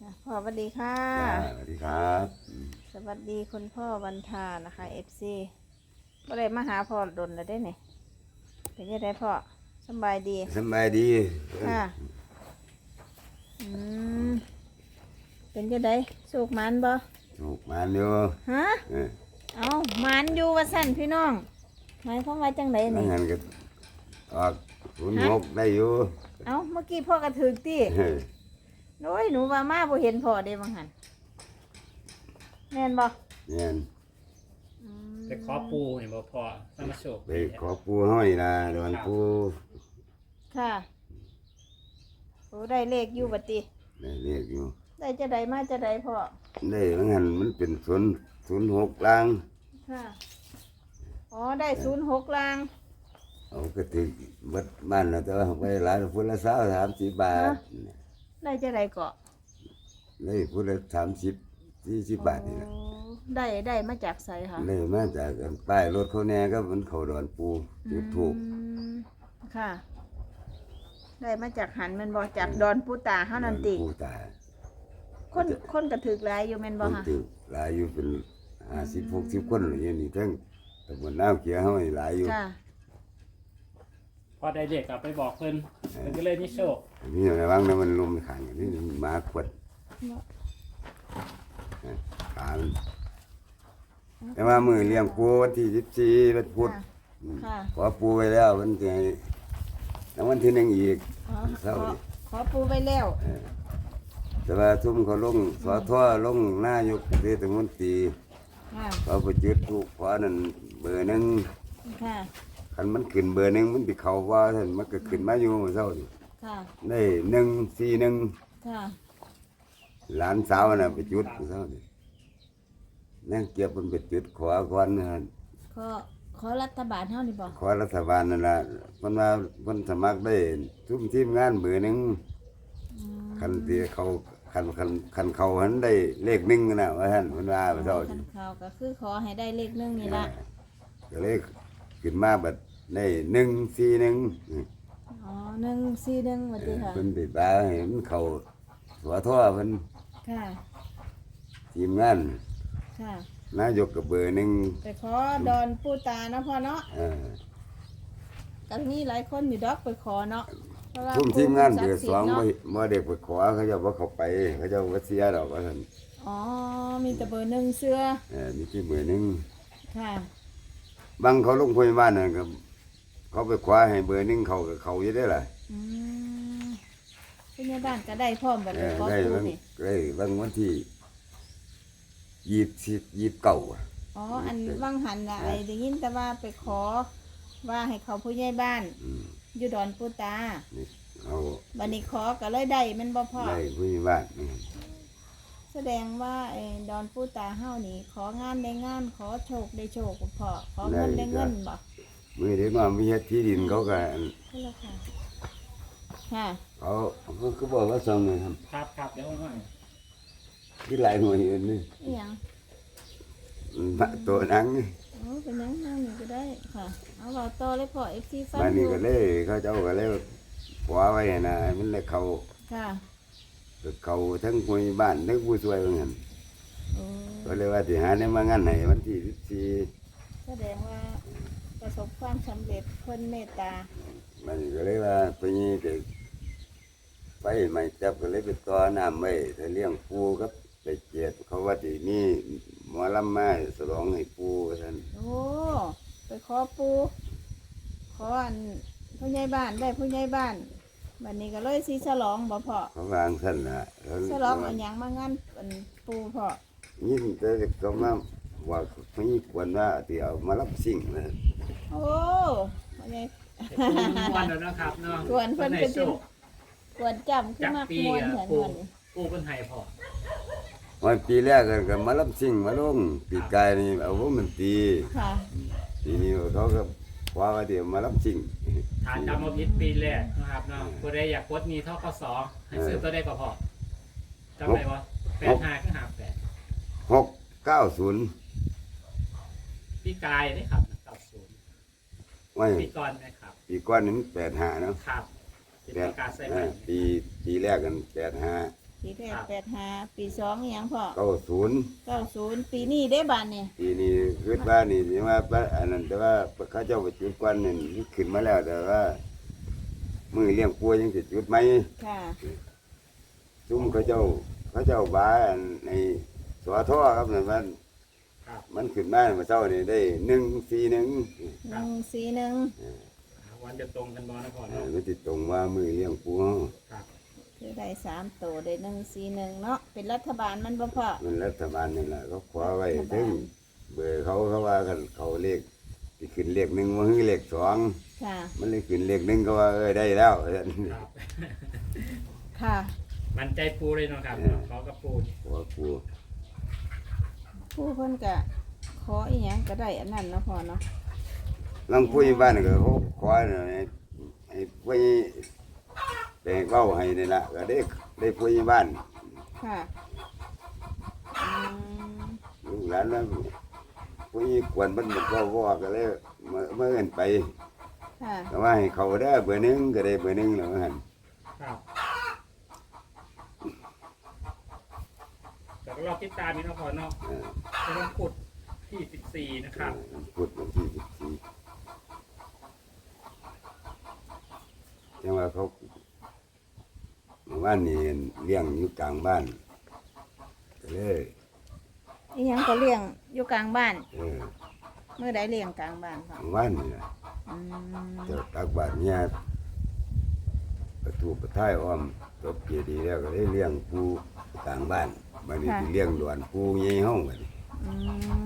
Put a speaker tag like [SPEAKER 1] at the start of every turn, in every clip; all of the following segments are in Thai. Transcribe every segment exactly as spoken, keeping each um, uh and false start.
[SPEAKER 1] พ่อสวัสดีค่ะ
[SPEAKER 2] สวัสดีครับ
[SPEAKER 1] สวัสดีคุณพ่อวันทานะคะเอฟซีก็เลยมาหาพ่อดนแล้วได้เนี่ยเป็นยังไงพ่อสบายดี
[SPEAKER 2] สบายดี
[SPEAKER 1] ค่ะอืมเป็นยังไงสุกมันบ่
[SPEAKER 2] สุกมันอยู่
[SPEAKER 1] ฮะเอามันอยู่ว่าสั่นพี่น้องหมายความว่าจังไดนี่
[SPEAKER 2] งั้นก็ออกขุนหกได้อยู่
[SPEAKER 1] เอาเมื่อกี้พ่อกระถึกตีโอ้ยหนูว่ามาบ่เห็นพ่อเด้บางหันแม่นบ่
[SPEAKER 2] แม่น
[SPEAKER 3] ไปขอปูเห็นบ่พอสมาโชค
[SPEAKER 2] ไปขอปูห้อยนะดอนปู
[SPEAKER 1] ค่ะโอ้ได้เลขอยู่บัดติ
[SPEAKER 2] ได้เรียกอยู่
[SPEAKER 1] ได้จะได้มาจะได้พ่อ
[SPEAKER 2] ได้บางหันมันเป็นศูนย์ศูนย์หกล่าง
[SPEAKER 1] ค่ะอ๋อได้ศูนย์หกล่าง
[SPEAKER 2] เอาก็ถึงวัดบ้านแล้วแต่ว่าไปหลายพุทธละสาวสามสิบบาท
[SPEAKER 1] ได้จะได้เกาะ
[SPEAKER 2] ได้พุทธละสามสิบสี่สิบบาทนี่แหละ
[SPEAKER 1] ได้ได้มาจากไสค่ะ
[SPEAKER 2] ได้มาจากป้ายรถเขาแน่ก็มันเขาดอนปูจุดถูก
[SPEAKER 1] ค่ะ ได้มาจากหันมันบอกจากดอนปูตาเฮานั่นติ
[SPEAKER 2] ปูตา
[SPEAKER 1] คนคนกระถึกหลายอยู่แม่นบ่ค่ะ
[SPEAKER 2] ถึกหลายอยู่เป็นห้าสิบหกสิบคนอย่างนี้ทั้งตำบลน้ำเขียวเฮาหลายอยู่
[SPEAKER 1] ค่ะ
[SPEAKER 3] พอได้เด็กกลับไปบอกเพิ่นเพิ่นก็เลยมีโชค
[SPEAKER 2] นี่อะไรบ้างนะมันลมขังนี่หมาขวดขาแต่ว่ามือเลี้ยงปูวันที่สิบสี่วันพุธขอปูไว้แล้ววันที่แล้ววันที่หนึ่งอีก
[SPEAKER 1] เศร้าขอปูไว้แล้ว
[SPEAKER 2] แต่ว่าทุ่มเขาลงสอท่อลงหน้ายกเทศมนตรีเขาไปจุดถูกขวานั่นเบอร์หนึ่งคันมันขึ้นเบอร์หนึ่งมันติเขาว่าท่านมันก็ขึ้นมาอยู่เศร้าดิได้หนึ่งสี่หนึ่งหลานสาวน่ะไปจุดเศร้าดินั่งเก็บมันไปจุดขวาก่อนนะ
[SPEAKER 1] ขอขอรัฐบาลเท่านี้บ่
[SPEAKER 2] ขอรัฐบาลนั่นละมันมามันสมัครได้ทุ่มทีมงานเบอร์หนึ่งคันที่เขาคันคันคันเขาหันได้เลขหนึ่งนะว่าท่านมันว่าเศร้าดิ
[SPEAKER 1] คันเขาก็คือขอให้ได้เลขหนึ่งนี่ละ
[SPEAKER 2] ก็เลขขึ้นมาแบบได้หนึ่งสี่หนึ่ง
[SPEAKER 1] อ๋อหนึ่งสี่หนึ่งวันที่ค่ะ
[SPEAKER 2] เป็นติดตาเห็นเขาหัวท่อเพิ่น
[SPEAKER 1] ค่ะ
[SPEAKER 2] ทีมงาน
[SPEAKER 1] ค่ะ
[SPEAKER 2] นายกกับเบอร์หนึ่ง
[SPEAKER 1] ไปขอดอนปูตานะพ่อเนาะกันนี้หลายคนอยู่ดอกไปขอเนาะ
[SPEAKER 2] ทุ่มทีมงานเบอร์สองมาเด็กไปขอเขาจะว่าเขาไปเขาจะว่าเสียดอกว่าท่าน
[SPEAKER 1] อ๋อมีแต่เบอร์หนึ่งเสื้อ
[SPEAKER 2] เออมีที่เบอร์หนึ่ง
[SPEAKER 1] ค่ะ
[SPEAKER 2] บางเขาลงพยาบาลน่ะครับเขาไปคว้าให้เบอร์หนึ่งเขากับเขาจะได้ล่ะ
[SPEAKER 1] อืมพยาบาลก็ได้พร้อมแบบนี้ขอปูนี่
[SPEAKER 2] ได้บางวันที่ยีบสิบยีบเก่า
[SPEAKER 1] อ๋ออันว่างหันอะไอ้ได้ยินแต่ว่าไปขอว่าให้เขาผู้ใหญ่บ้านอยู่ดอนปูตา
[SPEAKER 2] เอา
[SPEAKER 1] บัดนี้ขอก็เลยได้มันบ่พอ
[SPEAKER 2] ได้ผู้ใหญ่บ้าน
[SPEAKER 1] แสดงว่าไอ้ดอนปูตาเฮานี่ของานได้งานขอโชคได้โชคพอขอเงินได้เงินบ่
[SPEAKER 2] มือเด็กน้อยมีที่ดินเขาก็
[SPEAKER 1] ค่ะ
[SPEAKER 2] เขาเขาบอกว่าส่งเลยครับ
[SPEAKER 3] ครับครับเดี๋ยวหน่อย
[SPEAKER 2] ที่หลายหน่วยอื่นนี่
[SPEAKER 1] ยัง
[SPEAKER 2] ตัวนังนี่
[SPEAKER 1] โอ้เป็นนังนั่งนี่ก็ได้ค่ะเอาเราโตเลยพอเอฟซีฟัง
[SPEAKER 2] มานี่ก็เลยเขาเจ้าก็เลยขวาไว้นะมันเลยเขา
[SPEAKER 1] ค่ะ
[SPEAKER 2] เขาทั้งผู้บ้านทั้งผู้ช่วยเหมือนกันก็เลยว่าที่หาเนี่ยมางานไหนวันที่สิบสี่
[SPEAKER 1] แสดงว่าประสบความสำเร็จคนเมตตา
[SPEAKER 2] มันก็เลยว่าไปนี่เด็กไปใหม่จับก็เลยไปต่อน้ำไว้แต่เลี้ยงปูครับไปเจียดเขาว่าที่นี่หมอลำมาสลองให้ปูท่าน
[SPEAKER 1] โอ้ไปขอปูขออันผู้ใหญ่บ้านได้ผู้ใหญ่บ้านวันนี้ก็เลยซีฉลองบ่พอ
[SPEAKER 2] เขาวางท่านละ
[SPEAKER 1] ฉลองอันยังมางานอันปูพอ
[SPEAKER 2] ยิ่งแต่ก็มาว่าไม่ควรว่าที่เอามารับสิ่งนะ
[SPEAKER 1] โอ้วันนี้
[SPEAKER 3] วันแล้วนะครับเนาะ
[SPEAKER 1] กวนเพิ่นเป็นกวนจำขึ้นมากมวนเหมือนกัน
[SPEAKER 3] ปูเป็นไห้พอ
[SPEAKER 2] วันปีแรกก็มารับสิ่งมาลงปีกายนี่เอาว่ามันตีทีนี้เขาก็ว่าว่าเดี๋ยวมารับสิ่ง
[SPEAKER 3] ฐานจำมาพิษปีแรกนะครับเนาะก็ได้อยากกดมีเท่ากับสองให้ซื้อตัวได้ก็พอจำได้ปะแปดห้าขึ้นหาแปด
[SPEAKER 2] หกเก้าศูนย์
[SPEAKER 3] ปีกายนี่ครับเก้าศูนย์ปีก่อนนะครับ
[SPEAKER 2] ปีก่อนนี่แปดห้าเนาะ
[SPEAKER 3] ครับ
[SPEAKER 2] แปดปีปีแรกกันแปดห้า
[SPEAKER 1] ปีแรกแปดห้าปีสองอหยังพ่อ
[SPEAKER 2] เก้าศูนย์
[SPEAKER 1] เก้าศูนย์ปีนี้ได้บานเนี่ย
[SPEAKER 2] ปีนี้คิดว่านี่สิว่าพระอันนั้นแต่ว่าเขาเจ้าไปจุดกวนนี่มันขึ้นมาแล้วแต่ว่ามือเลี้ยงปัวยังสิจุดไหม
[SPEAKER 1] ค่ะ
[SPEAKER 2] ซุ่มเขาเจ้าเขาเจ้าบ้าอันในสวท่อครับนั่นมัน
[SPEAKER 3] ครับ
[SPEAKER 2] มันขึ้นมาเมื่อเช้านี่ได้หนึ่งสี่หนึ่ง
[SPEAKER 1] หนึ่งสี่หนึ่ง
[SPEAKER 3] วันจะตรงกันบอนะพ่อ
[SPEAKER 2] เอ
[SPEAKER 3] เนาะ
[SPEAKER 2] อมันติดตรงว่ามือเลี้ยงปัว
[SPEAKER 3] ครับ
[SPEAKER 1] คือได้สามตัวได้หนึ่งสี่หนึ่งเนาะเป็นรัฐบาลมันบ่พ่อ
[SPEAKER 2] มันรัฐบาลนี่แหละเขาขวาไว้ถึงเบอร์เขาเขาว่ากันเขาเลขที่ขึ้นเลขหนึ่งมาคือเลขสอง
[SPEAKER 1] ค่ะ
[SPEAKER 2] มันเลยขึ้นเลขหนึ่งก็ว่าเออได้แล้ว
[SPEAKER 3] ครับ
[SPEAKER 1] ค่ะ
[SPEAKER 3] มันใจปูเลยเนาะครับขอกับปู
[SPEAKER 2] หัวปู
[SPEAKER 1] ผู้เพิ่นก็ขออีหยังก็ได้อันนั้นเนาะพ่อเนาะ
[SPEAKER 2] ลังพูดบ้านก็เขาขอให้ให้พูดไปเว้าให้นี่ละก็ได้ได้พูดบ้าน
[SPEAKER 1] ค่ะอืม
[SPEAKER 2] ลูกหลานแล้วพูดกวนมันบอกว่าว่าก็เลยเมื่อเมื่อเงินไป
[SPEAKER 1] ค่ะ
[SPEAKER 2] ก็ว่าให้เขาได้เบอร์หนึ่งก็ได้เบอร์หนึ่งแล้วหัน
[SPEAKER 3] ครับแต่ก็รอบติดตามนี่เนาะพ่อเนาะ
[SPEAKER 2] เออ
[SPEAKER 3] เป็นวันพุธที่สิบสี่นะครับ
[SPEAKER 2] พูดวันที่สิบสี่จังว่าเขาเมื่อวานนี่เลี้ยงอยู่กลางบ้านก็เลย
[SPEAKER 1] อีหยังก็เลี้ยงอยู่กลางบ้าน
[SPEAKER 2] เออ
[SPEAKER 1] เมื่อใดเลี้ยงกลางบ้านพ่อ
[SPEAKER 2] เมื่อวานนี่นะ
[SPEAKER 1] อืม
[SPEAKER 2] เจ้าตักบาทเนี่ยประตูประท้ายอ้อมจบเกียดีย์แล้วก็ได้เลี้ยงปูกลางบ้านบัดนี้สิเลี้ยงหลวนปูใหญ่ห้องบัดนี้
[SPEAKER 1] อืม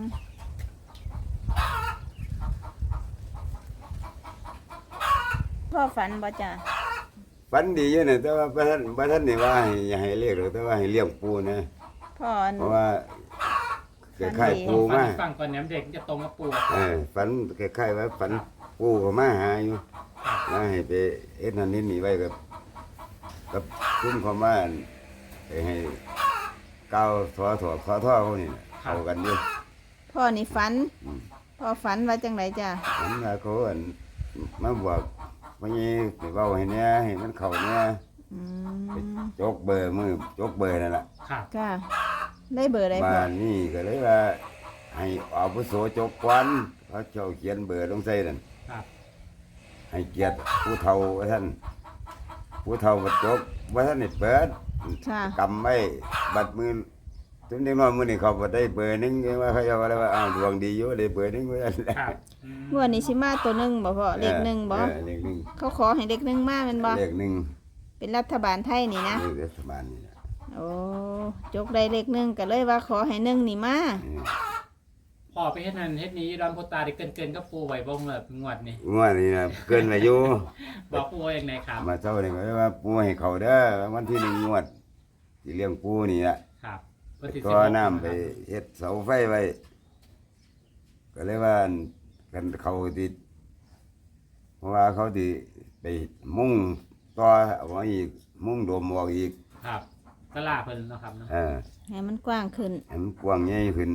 [SPEAKER 1] พ่อฝันบ่จ้ะ
[SPEAKER 2] ฝันดีอยู่นะแต่ว่าพระท่านพระท่านนี่ว่าให้อย่าให้เลี้ยงหรอกแต่ว่าให้เลี้ยงปูนะ
[SPEAKER 1] พ่ออัน
[SPEAKER 2] เพราะว่าคล้ายๆปู
[SPEAKER 3] ฟั
[SPEAKER 2] มา
[SPEAKER 3] งฟังก่อนเนี่ยเด็กจะตรงกับปู
[SPEAKER 2] เออฝันคล้ายๆว่าฝันปูก็มาหาอยู่ว่าให้ไปเอ็ดนั่นนี่นี่ไว้กับกับคุ้มความว่าให้ให้ก้าวถอถอขอท่อเขานี่น่ะเข้ากันอยู่
[SPEAKER 1] พ่อนี่ฝัน
[SPEAKER 2] อืม
[SPEAKER 1] พ่อฝันว่าจังไรจ้ะ
[SPEAKER 2] ผมว่าเขาอั่นมาบอกว่านี่ไปเว้าให้เนี่ยให้มันเข้าเนี่ย
[SPEAKER 1] อื
[SPEAKER 2] ไป
[SPEAKER 1] ม
[SPEAKER 2] จกเบอร์มือจกเบอร์นั่นแหละ
[SPEAKER 3] ครับ
[SPEAKER 1] ค่ะ ได้เบอร์อะไรพ่
[SPEAKER 2] บ้า
[SPEAKER 1] อน
[SPEAKER 2] นี่ก็เลยว่า ให้อาวุโสจกควันเขาเจ้าเขียนเบอร์ลงใส่นั่น
[SPEAKER 3] ครับ
[SPEAKER 2] ให้เกียรติผู้เฒ่าว่าท่านผู้เฒ่าบัดจกว่าท่านนี่เปิด
[SPEAKER 1] ค่ะ
[SPEAKER 2] กำไว้บัดมือทุนเด็กน้อยมือนี่เขาบ่ได้เบอร์หนึงว่าเขาจะว่าอะไรว่าอ้าวดวงดีอยู่ได้เบอร์หนึงว่าซั่น
[SPEAKER 3] ครับอืม
[SPEAKER 1] งวดนี้สิมาตัวหนึ่งบ่พ่อเลขหนึ่งบ่
[SPEAKER 2] เออเลขหนึ่ง
[SPEAKER 1] เขาขอให้เลขหนึ่งมาแมันบ่
[SPEAKER 2] เลขหนึ่ง
[SPEAKER 1] เป็นรัฐบาลไทยนี่นะ
[SPEAKER 2] เลขรัฐบาลนี่นะ
[SPEAKER 1] โอ้จกได้เลขหนึ่งก็เลยว่าขอให้หนึ่งนี่มา
[SPEAKER 2] เออ
[SPEAKER 3] พ่อไปเฮ็ดนั่นเฮ็ดนี้ดอนโพตาได้เกินเกินๆก็ปูไว้บ่งแบบงวดนี่
[SPEAKER 2] งวดนี้นะเกินอายุ
[SPEAKER 3] บอกปูว่าอย่างไรครับ
[SPEAKER 2] มาเจ้านี่ก็ว่าปูให้เขาเด้อวันที่หนึ่งงวดที่เลี้ยงปูนี่ละ
[SPEAKER 3] ครับวันที่
[SPEAKER 2] ก็
[SPEAKER 3] สิบหก
[SPEAKER 2] น้ำไปเฮ็ดเสาไฟไว้ก็เลยว่ากันเขาติดเพราะว่าเขาติไปมุ่งต่อเอาไว้อีกมุ่งโดมออกอีก
[SPEAKER 3] ครับตลาดเพิ่นเนาะครับเนาะ
[SPEAKER 2] เออ
[SPEAKER 1] ให้มันกว้างขึ้น
[SPEAKER 2] ให้มันกว้างใหญ่ขึ้น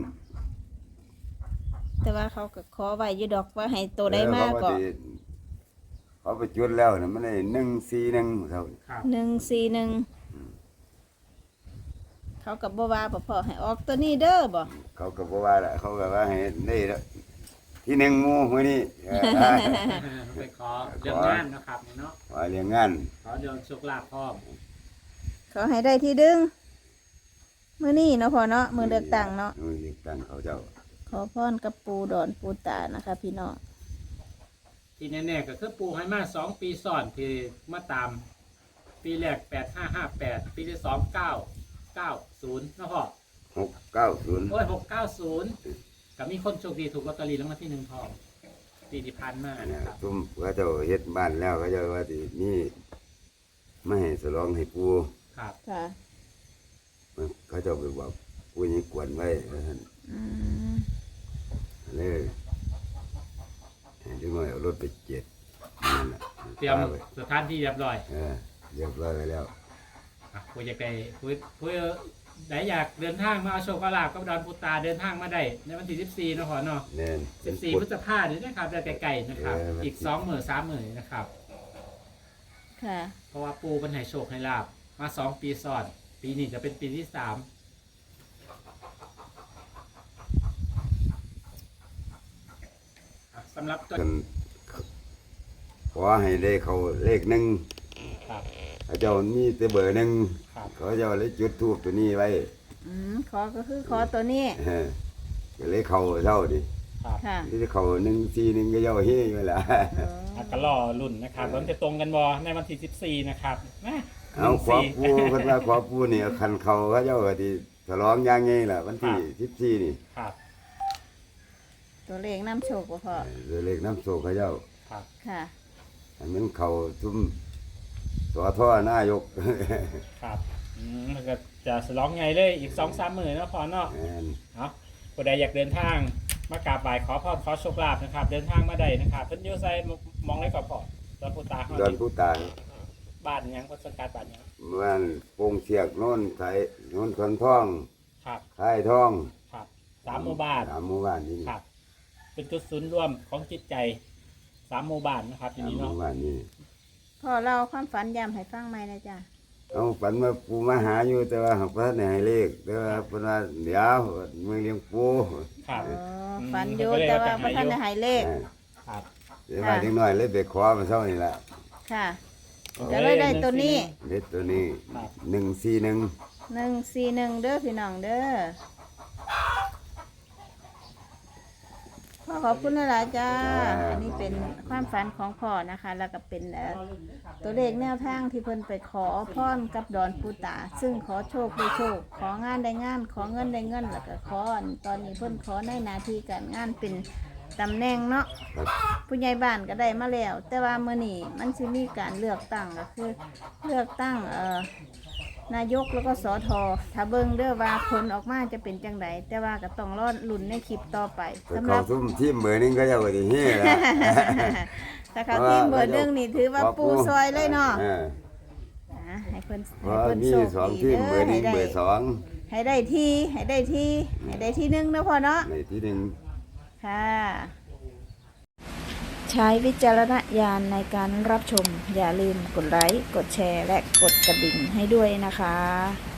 [SPEAKER 1] แต่ว่าเขาก็ขอไว้อยู่ดอกว่าให้ตัวได้มาก
[SPEAKER 2] เออ
[SPEAKER 1] ก็
[SPEAKER 2] เขาสิเขาไปจุดแล้วนะมันได้หนึ่งสี่หนึ่งเขา
[SPEAKER 3] ครับ
[SPEAKER 1] หนึ่งสี่หนึ่งเขากับบ่ว่าบ่พอให้ออกตัวนี้เด้อบ่
[SPEAKER 2] เขาก็บอกว่าละเขาก็ว่าให้ได้ละที่หนึ่งหมู่มื้อนี้เออ
[SPEAKER 3] ไปขอเรื่องงานเนาะครับนี่เนาะ
[SPEAKER 2] ว่าเลี้ยงงาน
[SPEAKER 3] ขอเรื่องโชคลาภพ่อม
[SPEAKER 1] เขาให้ได้ที่ดึงมื้อนี้เนาะพ่อเนาะมื้อเลือกตั้งเนาะ
[SPEAKER 2] มือเลือกตั้งเขาเจ้า
[SPEAKER 1] ขอพรกับปูดอนปูตานะคะ พี่น้อง
[SPEAKER 3] ที่แน่ๆก็คือปูให้มาสองปีซ้อนที่มาตาม ปีแรกแปดห้าห้าแปดปีที่สองเก้าเก้าศูนย์เนาะพ่อ
[SPEAKER 2] หกเก้าศูนย์
[SPEAKER 3] โอ้ยหกเก้าศูนย์กับมีคนโชคดีถูกลอตเตอรี่รางวัลที่หนึ่งพอปีที่ผ่านมานะครับ
[SPEAKER 2] ตุ้มเขาเจ้าเฮ็ดบ้านแล้วเขาเจ้าว่าสินี่ไม่ให้สลองให้ปู
[SPEAKER 3] ครับ
[SPEAKER 1] ค่ะ
[SPEAKER 2] เขาเจ้าไปบอกปูยังกวนไว้ว่าท่าน
[SPEAKER 1] อืม
[SPEAKER 2] เลยให้ดึงน้อยเอารถไปเจ็ดนั่นแหละ
[SPEAKER 3] เตรียม
[SPEAKER 2] พาไป
[SPEAKER 3] สถานที่เรียบร้อย
[SPEAKER 2] เออเรียบร้อยไปแล้ว
[SPEAKER 3] อ่ะผู้อยากไปผู้ผู้ไหนอยากเดินทางมาเอาโชคเอาลาภกับดอนปูตาเดินทางมาได้ในวันที่สิบสี่เนาะพ่อเนาะ
[SPEAKER 2] แน่น
[SPEAKER 3] สิบสี่พฤษภาคมนี้นะครับจะไกลๆนะครับ
[SPEAKER 2] เออมัน
[SPEAKER 3] อีกสองหมื่นสามหมื่นนะครับ
[SPEAKER 1] ค่ะ
[SPEAKER 3] เพราะว่าปูเป็นให้โชคให้ลาบมาสองปีซ้อนปีนี้จะเป็นปีที่สามสำหรับตัว
[SPEAKER 2] กันขอให้ได้เขาเลขหนึ่ง
[SPEAKER 3] ครับ
[SPEAKER 2] เขาเจ้ามีแต่เบอร์หนึ่ง
[SPEAKER 3] ครับ
[SPEAKER 2] เขาเจ้าเลยจุดทูบตัวนี้ไว้
[SPEAKER 1] อืมขอก็คือขอตัวนี้
[SPEAKER 2] เออก็เลยเขาเท่าดิ
[SPEAKER 3] ครับ
[SPEAKER 1] ค่ะ
[SPEAKER 2] ที่เขาหนึ่งทีหนึ่งก็เจ้าเฮ้ยไปละ
[SPEAKER 1] อ๋อ
[SPEAKER 3] อ่ะก็รอรุ่นนะครับมันจะตรงกันบอในวันที่สิบสี่นะครับนะ
[SPEAKER 2] เอาขอปูเพิ่นว่าขอปูนี่คันเขาเขาเจ้าก็ที่ฉลองอย่างไงล่ะวันที่สิบสี่นี่
[SPEAKER 3] ครับ
[SPEAKER 1] ตัวเลขน้ำโชคบ่พ่อ
[SPEAKER 2] เออเลขน้ำโศกเขาเจ้า
[SPEAKER 3] ครับ
[SPEAKER 1] ค่ะ
[SPEAKER 2] อันนั้นเขาทุ่มสอท่อนายก
[SPEAKER 3] ครับอืมมันก็จะสลองไงเลยอีกสองสามหมื่นเนาะพอเนาะ
[SPEAKER 2] แม่น
[SPEAKER 3] เนาะผู้ใดอยากเดินทางมากราบไหว้ขอพรขอโชคลาภนะครับ เดินทางมาได้นะครับเพิ่นอยู่ไสมองได้ก่อนพอตอนผู้ตาเขา
[SPEAKER 2] ดอนผู้ตาย
[SPEAKER 3] บ้านหยังเพิ่นสังกัดบ้านหยัง
[SPEAKER 2] มันโป่งเสียกโน่นไทยโน่นคนท่อง
[SPEAKER 3] ครับ
[SPEAKER 2] ค่ายท่อง
[SPEAKER 3] ครับสามหมู่บ้าน
[SPEAKER 2] สามหมู่บ้านนี่
[SPEAKER 3] ครับ เป็นจุดศูนย์รวมของจิตใจสามหมู่บ้านนะครับที
[SPEAKER 2] สาม
[SPEAKER 3] นี้
[SPEAKER 2] ห
[SPEAKER 3] เนาะ
[SPEAKER 2] มู่บ้านนี่
[SPEAKER 1] พ่อเล่าความฝันย้ำให้ฟังไหมนะจ๊ะ
[SPEAKER 2] เอาฝันว่าปูมาหาอยู่แต่ว่าหักพระในให้เลขแต่ว่าเพิ่นว่าเดี๋ยวมือเลี้ยงปู
[SPEAKER 3] ครับ
[SPEAKER 1] อ๋อฝันอยู่แต่ว่าพระท่านได้ใหายเลข
[SPEAKER 2] เออ
[SPEAKER 3] ครับ
[SPEAKER 2] เดี๋ยวมาถึงหน่อยเลยไปขอมาเท่านี้ละ
[SPEAKER 1] ค่ะ ก็เลยได้ตัวนี้
[SPEAKER 2] เด็ดตัวนี้
[SPEAKER 3] ครับ
[SPEAKER 2] หนึ่งสี่หนึ่ง
[SPEAKER 1] หนึ่งสี่หนึ่งเด้อพี่น้องเด้อพ่อขอบคุณหลายๆจ้า อันนี้เป็นความฝันของพ่อนะคะ แล้วก็เป็นเอ่อตัวเลขแนวทางที่เพิ่นไปขอพรกับดอนปูตา ซึ่งขอโชคได้โชค ของานได้งาน ขอเงินได้เงิน แล้วก็ขออันตอนนี้เพิ่นขอในหนาทีการงานเป็นตำแหน่งเนาะ
[SPEAKER 2] ครับ
[SPEAKER 1] ผู้ใหญ่บ้านก็ได้มาแล้ว แต่ว่ามื้อนี้มันสิมีการเลือกตั้งก็คือเลือกตั้งเอ่อนายกแล้วก็สอทอถ้าเบิ่งเด้อว่าผลออกมาจะเป็นจังไดแต่ว่าก็ต้องรอลุ้นในคลิปต่อไป
[SPEAKER 2] แต่
[SPEAKER 1] สำห
[SPEAKER 2] เขา
[SPEAKER 1] รับ
[SPEAKER 2] ทุ่มทีมเบอร์หนึงก็จะว่าที่เฮ้ละ
[SPEAKER 1] ถ้าเขาทีมเบอร์หนึ่งนี่ถือว่าปูซอยเลยเนาะ
[SPEAKER 2] ออ
[SPEAKER 1] อ่ะให้เพิ่น
[SPEAKER 2] เพ
[SPEAKER 1] ให้
[SPEAKER 2] ราะ
[SPEAKER 1] เพิ่น
[SPEAKER 2] มี
[SPEAKER 1] โชค
[SPEAKER 2] สอง
[SPEAKER 1] ดี
[SPEAKER 2] ทีม
[SPEAKER 1] เด้
[SPEAKER 2] เบอ
[SPEAKER 1] อ
[SPEAKER 2] ร์ห
[SPEAKER 1] ให้
[SPEAKER 2] นึ่ง
[SPEAKER 1] ได้
[SPEAKER 2] เบอร์สอง
[SPEAKER 1] ให้ได้ที่ให้ได้ที่ให้ได้ที่หนึ่งนะพ่อเนาะ
[SPEAKER 2] ในที่หนึ่ง
[SPEAKER 1] ค่ะ ใช้วิจารณญาณในการรับชม อย่าลืมกดไลค์ กดแชร์ และกดกระดิ่งให้ด้วยนะคะ